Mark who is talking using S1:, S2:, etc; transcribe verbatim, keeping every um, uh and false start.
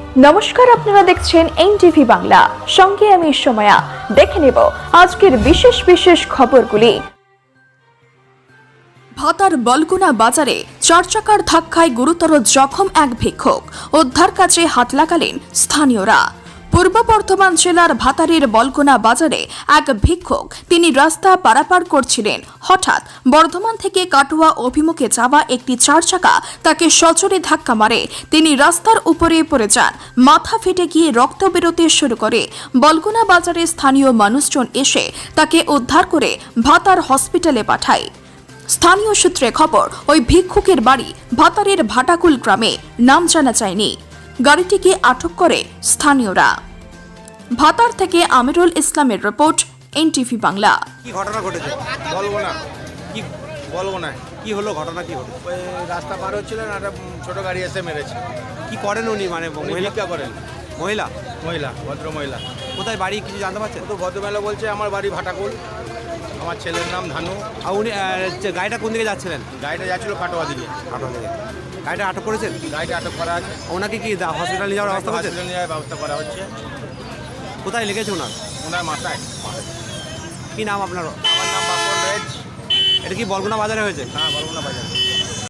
S1: নমস্কার, আপনারা দেখছেন এনটিভি বাংলা। সঙ্গে আমি সময়া। দেখে নেব আজকের বিশেষ বিশেষ খবরগুলি। ভাতার বলগুনা বাজারে চার চাকার ধাক্কায় গুরুতর জখম এক ভিক্ষুক, উদ্ধার কাজে হাত লাগালেন স্থানীয়রা। পূর্ব বর্ধমান জেলার ভাতারের বলগুনা বাজারে এক ভিক্ষুক তিনি রাস্তা পারাপার করছিলেন। হঠাৎ বর্ধমান থেকে কাটোয়া অভিমুখে যাওয়া একটি চার চাকা তাকে সজোরে ধাক্কা মারে। তিনি রাস্তার উপরে পড়ে যান। মাথা ফেটে গিয়ে রক্ত বেরোতে শুরু করে। বলগুনা বাজারে স্থানীয় মানুষজন এসে তাকে উদ্ধার করে ভাতার হসপিটালে পাঠায়। স্থানীয় সূত্রে খবর, ওই ভিক্ষুকের বাড়ি ভাতারের ভাটাকুল গ্রামে, নাম জানা যায়নি। গাড়িটিকে আটক করে স্থানীয়রা। ভাতার থেকে আমিরুল ইসলামের রিপোর্ট, এনটিভি বাংলা।
S2: কি ঘটনা ঘটেছে বলবো না, কি বলবো না কি হলো, ঘটনা কি হলো?
S3: ওই রাস্তা পার হচ্ছিলেন আর একটা ছোট গাড়ি এসে মেরেছে।
S2: কি করেন উনি, মানে
S3: উনি
S2: মহিলা
S3: ভিক্ষা করেন,
S2: মহিলা
S3: মহিলা, ভদ্র মহিলা।
S2: কোথায় বাড়ি কিছু জানতে পারছেন?
S3: তো ভদ্রমহিলা বলছে আমার বাড়ি ভাটাকুল, আমার ছেলের নাম ধানু।
S2: আর উনি আহ, যে গাড়িটা কোন দিকে যাচ্ছিলেন?
S3: গাড়িটা যাচ্ছিল কাটোয়া দিকে।
S2: আপনার দিকে গাড়িটা আটক করেছেন?
S3: গাড়িটা আটক করা আছে,
S2: ওনাকে কি হসপিটালে নিয়ে যাওয়ার ব্যবস্থা করছেন?
S3: হসপিটালে নিয়ে যাওয়ার ব্যবস্থা করা হচ্ছে।
S2: কোথায় লেগেছে ওনার?
S3: ওনার মাথায়।
S2: কি নাম আপনার?
S3: আমার নাম বাপন রেজ।
S2: এটা কি বলগুনা বাজারে হয়েছে?
S3: হ্যাঁ, বলবো না বাজার।